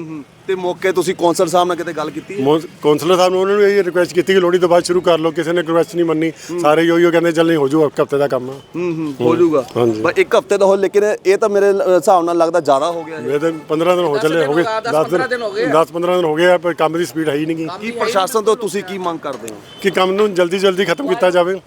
ਤੇ ਮੌਕੇ ਤੁਸੀਂ ਕੌਂਸਲ ਸਾਹਿਬ ਨਾਲ ਕਿਤੇ ਗੱਲ ਕੀਤੀ ਹੈ?
ਕੌਂਸਲਰ ਸਾਹਿਬ ਨੂੰ ਉਹਨਾਂ ਨੂੰ ਇਹ ਰਿਕੁਐਸਟ ਕੀਤੀ ਕਿ ਲੋਹੜੀ ਤੋਂ ਬਾਅਦ ਸ਼ੁਰੂ ਕਰ ਲਓ, ਕਿਸੇ ਨੇ ਰਿਕੁਐਸਟ ਨਹੀਂ ਮੰਨੀ, ਸਾਰੇ ਹੀ ਕਹਿੰਦੇ ਚੱਲ ਨਹੀਂ ਹੋ ਜੂ, ਇੱਕ ਹਫ਼ਤੇ ਦਾ ਕੰਮ ਆ।
ਹੋ ਜਾਊਗਾ ਬਸ ਇੱਕ ਹਫ਼ਤੇ ਦਾ ਹੋ, ਲੇਕਿਨ ਇਹ ਤਾਂ ਮੇਰੇ ਹਿਸਾਬ ਨਾਲ ਲੱਗਦਾ ਜ਼ਿਆਦਾ ਹੋ ਗਿਆ।
ਇਹ ਤਾਂ 15 ਦਿਨ ਹੋ ਚੱਲੇ, ਹੋ ਗਏ 10-15 ਦਿਨ ਹੋ ਗਏ ਆ, ਪਰ ਕੰਮ ਦੀ ਸਪੀਡ ਹੈ ਹੀ ਨਹੀਂ।
ਕੀ ਪ੍ਰਸ਼ਾਸਨ ਤੋਂ ਤੁਸੀਂ ਕੀ ਮੰਗ ਕਰਦੇ ਹੋ?
ਕਿ ਕੰਮ ਨੂੰ ਜਲਦੀ ਖਤਮ ਕੀਤਾ ਜਾਵੇ,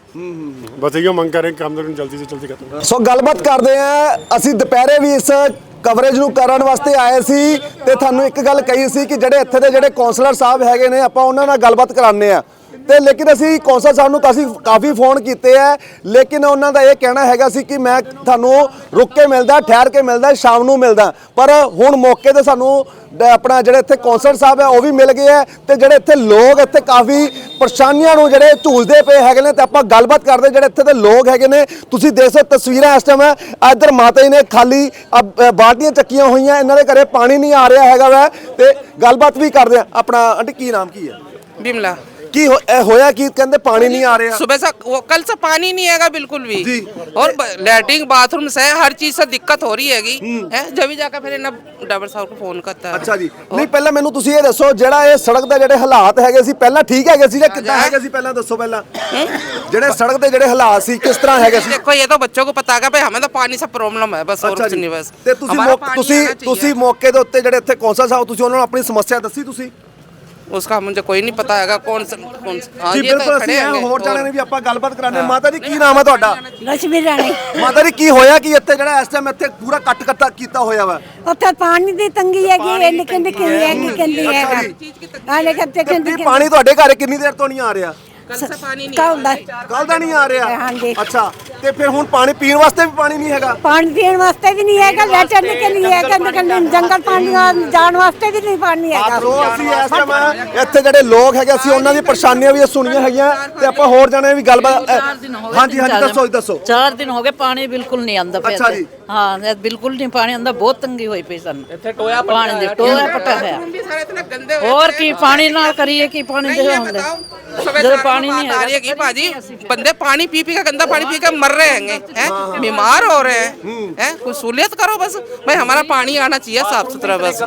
ਬਸ ਇਹੋ ਮੰਗ ਕਰ ਰਹੇ ਕੰਮ ਨੂੰ ਜਲਦੀ ਤੋਂ ਜਲਦੀ ਖਤਮ।
ਸੋ ਗੱਲਬਾਤ ਕਰਦੇ ਆ, ਅਸੀਂ ਦੁਪਹਿਰੇ ਵੀ ਇਸ ਕਵਰੇਜ ਨੂੰ ਕਰਨ ਵਾਸਤੇ ਆਏ ਸੀ ਤੇ ਤੁਹਾਨੂੰ ਇੱਕ ਗੱਲ ਕਹੀ ਸੀ ਕਿ ਜਿਹੜੇ ਇੱਥੇ ਦੇ ਜਿਹੜੇ ਕੌਂਸਲਰ ਸਾਹਿਬ ਹੈਗੇ ਨੇ ਆਪਾਂ ਉਹਨਾਂ ਨਾਲ ਗੱਲਬਾਤ ਕਰਾਉਂਦੇ ਆ ਤੇ ਲੇਕਿਨ ਅਸੀਂ ਕੌਂਸਲ ਸਾਹਿਬ ਨੂੰ ਕਾਫੀ ਫੋਨ ਕੀਤੇ ਆ, ਲੇਕਿਨ ਉਹਨਾਂ ਦਾ ਇਹ ਕਹਿਣਾ ਹੈਗਾ ਸੀ ਕਿ ਮੈਂ ਤੁਹਾਨੂੰ ਰੁਕ ਕੇ ਮਿਲਦਾ, ਠਹਿਰ ਕੇ ਮਿਲਦਾ, ਸ਼ਾਮ ਨੂੰ ਮਿਲਦਾ। ਪਰ ਹੁਣ ਮੌਕੇ ਤੇ ਸਾਨੂੰ ਆਪਣਾ ਜਿਹੜੇ ਇੱਥੇ ਕੌਂਸਲਰ ਸਾਹਿਬ ਹੈ ਉਹ ਵੀ ਮਿਲ ਗਏ ਆ ਤੇ ਜਿਹੜੇ ਇੱਥੇ ਲੋਕ ਇੱਥੇ ਕਾਫੀ ਪਰੇਸ਼ਾਨੀਆਂ ਨੂੰ ਜਿਹੜੇ ਝੂਲਦੇ ਪਏ ਹੈਗੇ ਨੇ ਤੇ ਆਪਾਂ ਗੱਲਬਾਤ ਕਰਦੇ ਜਿਹੜੇ ਇੱਥੇ ਦੇ ਲੋਕ ਹੈਗੇ ਨੇ। ਤੁਸੀਂ ਦੇਖ ਸਕਦੇ ਤਸਵੀਰਾਂ ਇਸ ਟਾਈਮ ਇੱਧਰ ਮਾਤਾ ਜੀ ਨੇ ਖਾਲੀ ਬਾਲਟੀਆਂ ਚੱਕੀਆਂ ਹੋਈਆਂ, ਇਹਨਾਂ ਦੇ ਘਰੇ ਪਾਣੀ ਨਹੀਂ ਆ ਰਿਹਾ ਹੈਗਾ ਵੈ ਤੇ ਗੱਲਬਾਤ ਵੀ ਕਰਦੇ ਆ। ਆਪਣਾ ਆਂਟੀ ਕੀ ਨਾਮ ਕੀ ਹੈ?
बिमला
ਕੀ ਹੋਇਆ ਕੀ ਕਹਿੰਦੇ ਪਾਣੀ नहीं आ रहा?
सुबह से कल से पानी नहीं आएगा बिल्कुल भी
जी।
और लैट्रिन बाथरूम से हर चीज से दिक्कत हो रही हैगी है। जब भी जाकर फिर ना ड्राइवर साहब को फोन करता है।
ਅੱਛਾ ਜੀ, ਨਹੀਂ ਪਹਿਲਾਂ ਮੈਨੂੰ ਤੁਸੀਂ ਇਹ ਦੱਸੋ ਜਿਹੜਾ ਇਹ ਸੜਕ ਦੇ ਜਿਹੜੇ ਹਾਲਾਤ ਹੈਗੇ ਸੀ ਪਹਿਲਾਂ ਠੀਕ ਹੈਗੇ ਸੀ ਜਾਂ ਕਿੱਦਾਂ ਹੈਗੇ ਸੀ? ਪਹਿਲਾਂ ਦੱਸੋ ਪਹਿਲਾਂ ਜਿਹੜੇ ਸੜਕ ਦੇ ਜਿਹੜੇ ਹਾਲਾਤ ਸੀ ਕਿਸ ਤਰ੍ਹਾਂ ਹੈਗੇ ਸੀ?
देखो ये तो बच्चों को पता है भाई, हमें तो पानी से प्रॉब्लम है बस, और
ਅੱਛਾ
कुछ
ਜੀ,
नहीं बस।
ਤੇ
हमारा पानी आना चाहिए।
ਤੁਸੀਂ ਮੌਕੇ ਦੇ ਉੱਤੇ ਜਿਹੜੇ ਇੱਥੇ ਕੌਂਸਲ ਸਾਹਿਬ ਤੁਸੀਂ ਉਹਨਾਂ ਨੂੰ ਆਪਣੀ ਸਮੱਸਿਆ ਦੱਸੀ ਤੁਸੀਂ?
उसका मुझे कोई नहीं पता हैगा कौन सा हाँ,
ਜੀ
ये तो
ਬਿਲਕੁਲ
खड़े
ਅਸੀਂ
होंगे।
ਹੋਰ ਜਾਣੇ ਨੇ ਵੀ ਆਪਾਂ ਗੱਲਬਾਤ ਕਰਾਂਗੇ। ਮਾਤਾ ਜੀ ਕੀ ਨਾਮ ਹੈ ਤੁਹਾਡਾ?
ਲక్ష్ਮੀ ਰਾਣੀ।
ਮਾਤਾ ਜੀ ਕੀ ਹੋਇਆ ਕਿ ਇੱਥੇ ਜਿਹੜਾ ਇਸ ਟਾਈਮ ਇੱਥੇ ਪੂਰਾ ਕੱਟ ਕੀਤਾ ਹੋਇਆ ਵਾ?
ਉੱਥੇ ਪਾਣੀ ਦੀ ਤੰਗੀ ਹੈਗੀ ਹੈ, ਨਿਕਲ ਹੈਗੀ ਕਹਿੰਦੀ ਹੈਗਾ ਹਾਲੇ ਕੱਤੇ ਕਹਿੰਦੀ
ਪਾਣੀ ਤੁਹਾਡੇ ਘਰੇ ਕਿੰਨੀ ਦੇਰ ਤੋਂ ਨਹੀਂ ਆ ਰਿਹਾ?
कल से पानी नहीं
ਕੱਲ ਦਾ ਨਹੀਂ ਆ ਰਿਹਾ?
ਹਾਂਜੀ।
ਅੱਛਾ, ਤੇ ਫਿਰ ਹੁਣ ਪਾਣੀ ਪੀਣ ਵਾਸਤੇ ਵੀ ਪਾਣੀ ਨਹੀਂ ਹੈਗਾ?
ਪਾਣੀ ਪੀਣ ਵਾਸਤੇ ਵੀ ਨਹੀਂ ਹੈਗਾ, ਲੈਟਰ ਨਿਕਲ ਨਹੀਂ ਹੈਗਾ, ਜੰਗਲ ਪਾਣੀ ਜਾਣ ਵਾਸਤੇ ਵੀ ਨਹੀਂ ਪਾਣੀ ਹੈਗਾ।
ਸੋ ਅਸੀਂ ਇਸ ਟਾਈਮ ਇੱਥੇ ਜਿਹੜੇ ਲੋਕ ਹੈਗੇ ਅਸੀਂ ਉਹਨਾਂ ਦੀ ਪਰੇਸ਼ਾਨੀਆਂ ਵੀ ਸੁਣੀਆਂ ਹੈਗੀਆਂ ਤੇ ਆਪਾਂ ਹੋਰ ਜਾਣੇ ਵੀ ਗੱਲਬਾਤ। ਹਾਂਜੀ ਦੱਸੋ
4 ਦਿਨ ਹੋ ਗਏ ਪਾਣੀ ਬਿਲਕੁਲ ਨਹੀਂ ਆਉਂਦਾ ਪਿਆ।
ਅੱਛਾ ਜੀ।
ਹਾਂ ਬਿਲकुल नहीं पानी आंदा, बहुत तंगी होई पई सन
ਇੱਥੇ ਟੋਇਆ
पानी दे टोया पटा है।
भी सारे इतने गंदे हो
और की पानी ना करिए कि पानी दे होंगे जब पानी नहीं
आ रही है कि भाजी बंदे पानी पी के गंदा पानी पी के मर रहे हैं, बीमार हो रहे हैं। कुछ सहूलियत करो बस भाई, हमारा पानी आना चाहिए साफ सुथरा बस।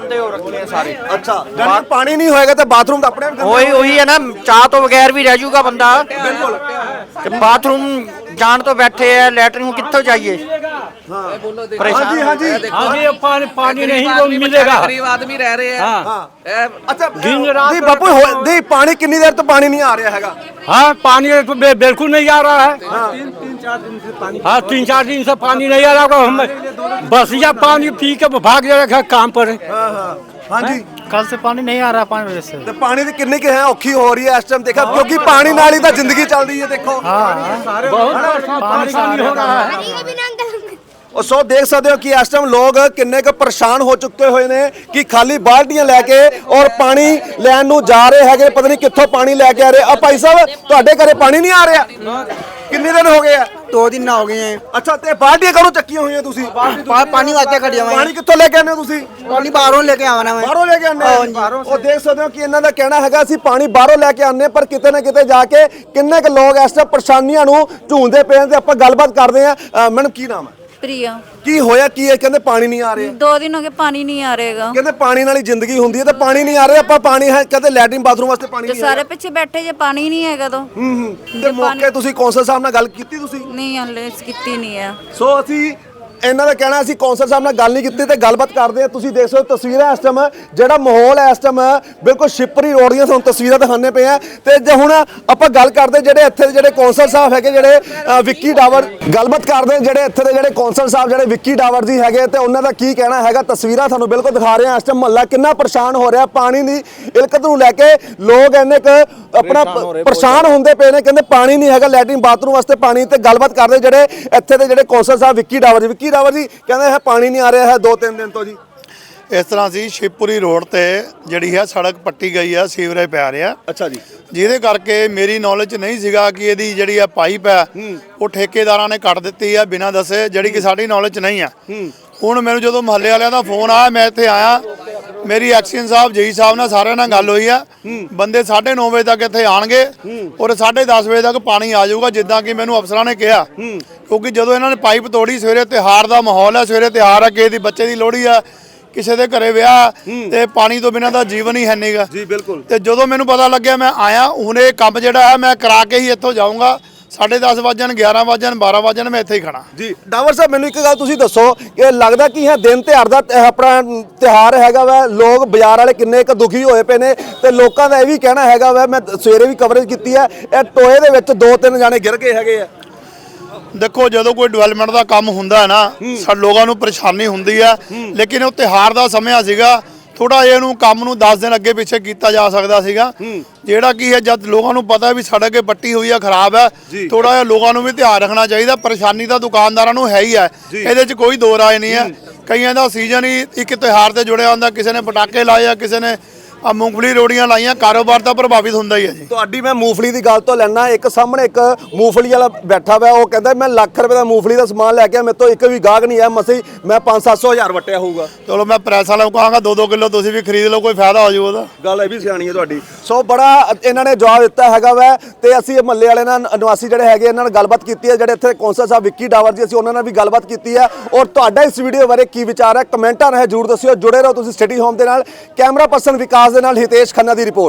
ਅੱਛਾ, ਜਦ ਪਾਣੀ ਨਹੀਂ ਹੋਏਗਾ ਤੇ ਬਾਥਰੂਮ ਤਾਂ ਆਪਣੇ
ਉਹੀ ਹੈ ਨਾ, ਚਾਹ ਤੋਂ ਬਗੈਰ ਵੀ ਰਹਿ ਜਾਊਗਾ ਬੰਦਾ।
ਬਿਲਕੁਲ।
ਤੇ ਬਾਥਰੂਮ ਜਾਣ ਤੋਂ ਬੈਠੇ ਆ, ਲੈਟਰਿਨ ਕਿੱਥੋਂ ਜਾਈਏ?
ਹਾਂਜੀ ਹਾਂਜੀ
पानी नहीं वो मिलेगा।
गरीब आदमी रह रहे हैं।
ਅੱਛਾ ਜੀ ਬਾਪੂ ਨਹੀਂ ਪਾਣੀ ਕਿੰਨੀ ਦੇਰ ਤੋਂ ਪਾਣੀ ਨਹੀਂ ਆ ਰਿਹਾ ਹੈਗਾ?
हाँ पानी तो बिल्कुल नहीं आ रहा है। हाँ 3-4 दिन से पानी नहीं आ रहा। हम बस या पानी पी के भाग जाएगा काम पर।
ਹਾਂਜੀ
कल से पानी नहीं आ रहा, पानी वजह से।
ਤੇ ਪਾਣੀ ਦੀ ਕਿੰਨੀ ਕਿ ਹੈ ਔਖੀ ਹੋ ਰਹੀ ਹੈ ਇਸ ਟਾਈਮ ਦੇਖਾ, ਕਿਉਂਕਿ ਪਾਣੀ ਨਾਲ ਹੀ ਤਾਂ ਜ਼ਿੰਦਗੀ ਚੱਲਦੀ ਹੈ। ਦੇਖੋ
बहुत पानी हो रहा है।
ਉਹ ਸੋ ਦੇਖ ਸਕਦੇ ਹੋ ਕਿ ਇਸ ਟਾਈਮ ਲੋਕ ਕਿੰਨੇ ਕੁ ਪਰੇਸ਼ਾਨ ਹੋ ਚੁੱਕੇ ਹੋਏ ਨੇ ਕਿ ਖਾਲੀ ਬਾਲਟੀਆਂ ਲੈ ਕੇ ਔਰ ਪਾਣੀ ਲੈਣ ਨੂੰ ਜਾ ਰਹੇ ਹੈਗੇ, ਪਤਾ ਨਹੀਂ ਕਿੱਥੋਂ ਪਾਣੀ ਲੈ ਕੇ ਆ ਰਹੇ ਆ। ਭਾਈ ਸਾਹਿਬ ਤੁਹਾਡੇ ਘਰੇ ਪਾਣੀ ਨਹੀਂ ਆ ਰਿਹਾ? ਕਿੰਨੇ ਦਿਨ ਹੋ ਗਏ ਆ?
2 ਦਿਨ ਹੋ ਗਏ ਹੈ।
ਅੱਛਾ, ਤੇ ਬਾਲਟੀਆਂ ਕਦੋਂ ਚੱਕੀਆਂ ਹੋਈਆਂ ਤੁਸੀਂ?
ਪਾਣੀ ਵਾਸਤੇ ਕੱਢਿਆ ਵਾ।
ਪਾਣੀ ਕਿੱਥੋਂ ਲੈ ਕੇ ਆਉਂਦੇ ਹੋ ਤੁਸੀਂ?
ਪਾਣੀ ਬਾਹਰੋਂ ਲੈ ਕੇ ਆਵਾਂ ਮੈਂ।
ਬਾਹਰੋਂ ਲੈ ਕੇ ਆਉਂਦੇ ਹੋ? ਉਹ ਦੇਖ ਸਕਦੇ ਹੋ ਕਿ ਇਹਨਾਂ ਦਾ ਕਹਿਣਾ ਹੈਗਾ ਅਸੀਂ ਪਾਣੀ ਬਾਹਰੋਂ ਲੈ ਕੇ ਆਉਂਦੇ, ਪਰ ਕਿਤੇ ਨਾ ਕਿਤੇ ਜਾ ਕੇ ਕਿੰਨੇ ਕੁ ਲੋਕ ਇਸ ਤਰ੍ਹਾਂ ਪਰੇਸ਼ਾਨੀਆਂ ਨੂੰ ਝੂੰਦੇ ਪਏ ਨੇ ਤੇ ਆਪਾਂ ਗੱਲਬਾਤ ਕਰਦੇ ਆ। ਮੈਡਮ ਕੀ ਨਾਮ ਹੈ?
प्रिया।
ਕੀ ਹੋਇਆ ਕੀ ਹੈ? ਕਹਿੰਦੇ ਪਾਣੀ ਨਹੀਂ ਆ ਰਿਹਾ।
2 दिन हो गए पानी नहीं आ रहेगा।
ਕਹਿੰਦੇ ਪਾਣੀ ਨਾਲ ਹੀ ਜ਼ਿੰਦਗੀ ਹੁੰਦੀ ਹੈ ਤੇ ਪਾਣੀ ਨਹੀਂ ਆ ਰਿਹਾ। ਆਪਾਂ ਪਾਣੀ ਹੈ ਕਹਿੰਦੇ ਲੈਟਰਿਨ ਬਾਥਰੂਮ ਵਾਸਤੇ ਪਾਣੀ
तो
ਨਹੀਂ
सारे पीछे बैठे जे पानी नहीं हैगा तो
ਤੇ ਮੌਕੇ ਤੁਸੀਂ ਕੌਂਸਲ ਸਾਹਿਬ ਨਾਲ ਗੱਲ ਕੀਤੀ ਤੁਸੀਂ?
नहीं हले की नहीं है।
ਸੋ ਅਸੀਂ ਇਹਨਾਂ ਦਾ ਕਹਿਣਾ ਅਸੀਂ ਕੌਂਸਲ ਸਾਹਿਬ ਨਾਲ ਗੱਲ ਨਹੀਂ ਕੀਤੀ ਤੇ ਗੱਲਬਾਤ ਕਰਦੇ ਆ। ਤੁਸੀਂ ਦੇਖ ਸਕਦੇ ਹੋ ਤਸਵੀਰਾਂ ਇਸ ਟਾਈਮ ਜਿਹੜਾ ਮਾਹੌਲ ਹੈ ਇਸ ਟਾਈਮ ਬਿਲਕੁਲ ਸ਼ਿਪਰੀ ਰੋਡ ਦੀਆਂ ਤੁਹਾਨੂੰ ਤਸਵੀਰਾਂ ਦਿਖਾਉਂਦੇ ਪਏ ਆ। ਤੇ ਜੇ ਹੁਣ ਆਪਾਂ ਗੱਲ ਕਰਦੇ ਜਿਹੜੇ ਇੱਥੇ ਦੇ ਜਿਹੜੇ ਕੌਂਸਲ ਸਾਹਿਬ ਹੈਗੇ ਜਿਹੜੇ ਵਿੱਕੀ ਡਾਵਰ, ਗੱਲਬਾਤ ਕਰਦੇ ਜਿਹੜੇ ਇੱਥੇ ਦੇ ਜਿਹੜੇ ਕੌਂਸਲ ਸਾਹਿਬ ਜਿਹੜੇ ਵਿੱਕੀ ਡਾਵਰ ਜੀ ਹੈਗੇ ਤੇ ਉਹਨਾਂ ਦਾ ਕੀ ਕਹਿਣਾ ਹੈਗਾ। ਤਸਵੀਰਾਂ ਤੁਹਾਨੂੰ ਬਿਲਕੁਲ ਦਿਖਾ ਰਹੇ ਆ। ਇਸ ਟਾਈਮ ਮਹੱਲਾ ਕਿੰਨਾ ਪਰੇਸ਼ਾਨ ਹੋ ਰਿਹਾ ਪਾਣੀ ਦੀ ਇਲਕਤ ਨੂੰ ਲੈ ਕੇ। ਲੋਕ ਇੰਨੇ ਕੁ ਆਪਣਾ ਪਰੇਸ਼ਾਨ ਹੁੰਦੇ ਪਏ ਨੇ, ਕਹਿੰਦੇ ਪਾਣੀ ਨਹੀਂ ਹੈਗਾ ਲੈਟਰਿਨ ਬਾਥਰੂਮ ਵਾਸਤੇ ਪਾਣੀ। ਤੇ ਗੱਲਬਾਤ ਕਰਦੇ ਜਿਹੜੇ ਇੱਥੇ ਦੇ ਜਿਹੜੇ ਕੌਂਸਲ ਸਾਹਿਬ ਵਿੱਕੀ ਡਾਵਰ ਜੀ ਕਹਿੰਦੇ ਹੈ ਪਾਣੀ ਨਹੀਂ ਆ ਰਿਹਾ ਹੈ 2-3 ਦਿਨ ਤੋਂ ਜੀ।
ਇਸ ਤਰ੍ਹਾਂ ਸੀ ਸ਼ਿਵਪੁਰੀ ਰੋਡ ਤੇ ਜਿਹੜੀ ਹੈ ਸੜਕ ਪੱਟੀ ਗਈ ਆ, ਸੀਵਰੇਜ ਪੈ ਰਿਹਾ।
ਅੱਛਾ ਜੀ।
ਜਿਹਦੇ ਕਰਕੇ ਮੇਰੀ ਨੌਲੇਜ 'ਚ ਨਹੀਂ ਸੀਗਾ ਕਿ ਇਹਦੀ ਜਿਹੜੀ ਆ ਪਾਈਪ ਹੈ ਉਹ ਠੇਕੇਦਾਰਾਂ ਨੇ ਕੱਟ ਦਿੱਤੀ ਆ ਬਿਨਾਂ ਦੱਸੇ, ਜਿਹੜੀ ਕਿ ਸਾਡੀ ਨੌਲੇਜ 'ਚ ਨਹੀਂ ਆ। ਹੁਣ ਮੈਨੂੰ ਜਦੋਂ ਮਹੱਲੇ ਵਾਲਿਆਂ ਦਾ ਫੋਨ ਆਇਆ ਮੈਂ ਇੱਥੇ ਆਇਆ, ਮੇਰੀ ਐਕਸ਼ਨ ਸਾਹਿਬ ਜਈ ਸਾਹਿਬ ਨਾਲ ਸਾਰਿਆਂ ਨਾਲ ਗੱਲ ਹੋਈ ਆ। ਬੰਦੇ 9:30 ਵਜੇ ਤੱਕ ਇੱਥੇ ਆਣਗੇ ਔਰ 10:30 ਵਜੇ ਤੱਕ ਪਾਣੀ ਆ ਜਾਊਗਾ, ਜਿੱਦਾਂ ਕਿ ਮੈਨੂੰ ਅਫਸਰਾਂ ਨੇ ਕਿਹਾ। ਕਿਉਂਕਿ ਜਦੋਂ ਇਹਨਾਂ ਨੇ ਪਾਈਪ ਤੋੜੀ, ਸਵੇਰੇ ਤਿਉਹਾਰ ਦਾ ਮਾਹੌਲ ਹੈ, ਸਵੇਰੇ ਤਿਉਹਾਰ ਆ, ਕਿਸੇ ਦੀ ਬੱਚੇ ਦੀ ਲੋਹੜੀ ਆ, ਕਿਸੇ ਦੇ ਘਰੇ ਵਿਆਹ ਤੇ ਪਾਣੀ ਤੋਂ ਬਿਨਾਂ ਦਾ ਜੀਵਨ ਹੀ ਹੈ ਨਹੀਂਗਾ
ਜੀ ਬਿਲਕੁਲ।
ਤੇ ਜਦੋਂ ਮੈਨੂੰ ਪਤਾ ਲੱਗਿਆ ਮੈਂ ਆਇਆ ਹੁਣ ਇਹ ਕੰਮ ਜਿਹੜਾ ਹੈ ਮੈਂ ਕਰਾ ਕੇ ਹੀ ਇੱਥੋਂ ਜਾਊਂਗਾ 10:30 ਵਜਣ 11 ਵਜਣ 12 ਵਜਣ ਮੈਂ ਇੱਥੇ ਹੀ ਖੜਾ
ਜੀ ਡਾਵਰ ਸਾਹਿਬ ਮੈਨੂੰ ਇੱਕ ਗੱਲ ਤੁਸੀਂ ਦੱਸੋ ਕਿ ਲੱਗਦਾ ਕਿ ਇਹ ਦਿਨ ਤਿਉਹਾਰ ਦਾ ਆਪਣਾ ਤਿਉਹਾਰ ਹੈਗਾ ਵਾ ਲੋਕ ਬਾਜ਼ਾਰ ਵਾਲੇ ਕਿੰਨੇ ਕੁ ਦੁਖੀ ਹੋਏ ਪਏ ਨੇ ਤੇ ਲੋਕਾਂ ਦਾ ਇਹ ਵੀ ਕਹਿਣਾ ਹੈਗਾ ਵਾ ਮੈਂ ਸਵੇਰੇ ਵੀ ਕਵਰੇਜ ਕੀਤੀ ਹੈ ਇਹ ਟੋਏ ਦੇ ਵਿੱਚ 2-3 ਜਾਣੇ ਗਿਰ ਗਏ ਹੈਗੇ ਆ।
ਦੇਖੋ ਜਦੋਂ ਕੋਈ ਡਿਵੈਲਪਮੈਂਟ ਦਾ ਕੰਮ ਹੁੰਦਾ ਹੈ ਨਾ ਸਾਡੇ ਲੋਕਾਂ ਨੂੰ ਪਰੇਸ਼ਾਨੀ ਹੁੰਦੀ ਆ ਲੇਕਿਨ ਉਹ ਤਿਉਹਾਰ ਦਾ ਸਮਾਂ ਸੀਗਾ ਥੋੜਾ ਜਿਹਾ ਇਹਨੂੰ ਕੰਮ ਨੂੰ 10 ਦਿਨ ਅੱਗੇ ਪਿੱਛੇ ਕੀਤਾ ਜਾ ਸਕਦਾ ਸੀਗਾ ਜਿਹੜਾ ਕੀ ਹੈ ਜਦ ਲੋਕਾਂ ਨੂੰ ਪਤਾ ਵੀ ਸੜਕ ਕੇ ਪੱਟੀ ਹੋਈ ਆ ਖਰਾਬ ਹੈ ਥੋੜਾ ਜਿਹਾ ਲੋਕਾਂ ਨੂੰ ਵੀ ਧਿਆਨ ਰੱਖਣਾ ਚਾਹੀਦਾ ਪਰੇਸ਼ਾਨੀ ਤਾਂ ਦੁਕਾਨਦਾਰਾਂ ਨੂੰ ਹੈ ਹੀ ਹੈ ਇਹਦੇ 'ਚ ਕੋਈ ਦੋ ਰਾਏ ਨਹੀਂ ਹੈ ਕਈਆਂ ਦਾ ਸੀਜ਼ਨ ਹੀ ਇੱਕ ਤਿਉਹਾਰ ਤੇ ਜੁੜਿਆ ਹੁੰਦਾ ਕਿਸੇ ਨੇ ਪਟਾਕੇ ਲਾਏ ਆ ਕਿਸੇ ਨੇ ਆ ਮੂੰਗਫਲੀ ਰੋੜੀਆਂ ਲਾਈਆਂ ਕਾਰੋਬਾਰ ਤਾਂ ਪ੍ਰਭਾਵਿਤ ਹੁੰਦਾ ਹੀ ਹੈ ਜੀ।
ਤੁਹਾਡੀ ਮੈਂ ਮੂੰਗਫਲੀ ਦੀ ਗੱਲ ਤੋਂ ਲੈਣਾ ਇੱਕ ਸਾਹਮਣੇ ਇੱਕ ਮੂੰਗਫਲੀ ਵਾਲਾ ਬੈਠਾ ਹੋਇਆ ਉਹ ਕਹਿੰਦਾ ਮੈਂ ਲੱਖ ਰੁਪਏ ਦਾ ਮੂੰਗਫਲੀ ਦਾ ਸਮਾਨ ਲੈ ਕੇ ਮੇਰੇ ਤੋਂ ਇੱਕ ਵੀ ਗਾਹਕ ਨਹੀਂ ਆਇਆ ਮਸੇ ਮੈਂ 500-700 ਹਜ਼ਾਰ ਵਟਿਆ ਹੋਊਗਾ।
ਚਲੋ ਮੈਂ ਪ੍ਰੈਸ ਵਾਲਿਆਂ ਨੂੰ ਕਹਾਂਗਾ 2-2 ਕਿਲੋ ਤੁਸੀਂ ਵੀ ਖਰੀਦ ਲਓ ਕੋਈ ਫਾਇਦਾ ਹੋ ਜਾਊ ਉਹਦਾ।
ਗੱਲ ਇਹ ਵੀ ਸਿਆਣੀ ਹੈ ਤੁਹਾਡੀ। ਸੋ ਬੜਾ ਇਹਨਾਂ ਨੇ ਜਵਾਬ ਦਿੱਤਾ ਹੈਗਾ ਵੈ ਤੇ ਅਸੀਂ ਮਹੱਲੇ ਵਾਲੇ ਨਾਲ ਨਿਵਾਸੀ ਜਿਹੜੇ ਹੈਗੇ ਇਹਨਾਂ ਨਾਲ ਗੱਲਬਾਤ ਕੀਤੀ ਹੈ ਜਿਹੜੇ ਇੱਥੇ ਕੌਂਸਲ ਸਾਹਿਬ ਵਿੱਕੀ ਡਾਵਰ ਜੀ ਅਸੀਂ ਉਹਨਾਂ ਨਾਲ ਵੀ ਗੱਲਬਾਤ ਕੀਤੀ ਹੈ ਔਰ ਤੁਹਾਡਾ ਇਸ ਵੀਡੀਓ ਬਾਰੇ ਕੀ ਵਿਚਾਰ ਹੈ ਕਮੈਂਟਾਂ ਰਾਹੀਂ ਜਰੂਰ ਦੱਸਿਓ। ਜੁੜੇ ਰਹੋ ਤੁਸੀਂ ਸਿਟੀ ਹੋਮ ਦੇ ਨਾਲ। ਕੈਮਰਾ ਪਰਸਨ ਵਿਕਾਸ ਦੇ ਨਾਲ ਹਿਤੇਸ਼ ਖੰਨਾ ਦੀ ਰਿਪੋਰਟ।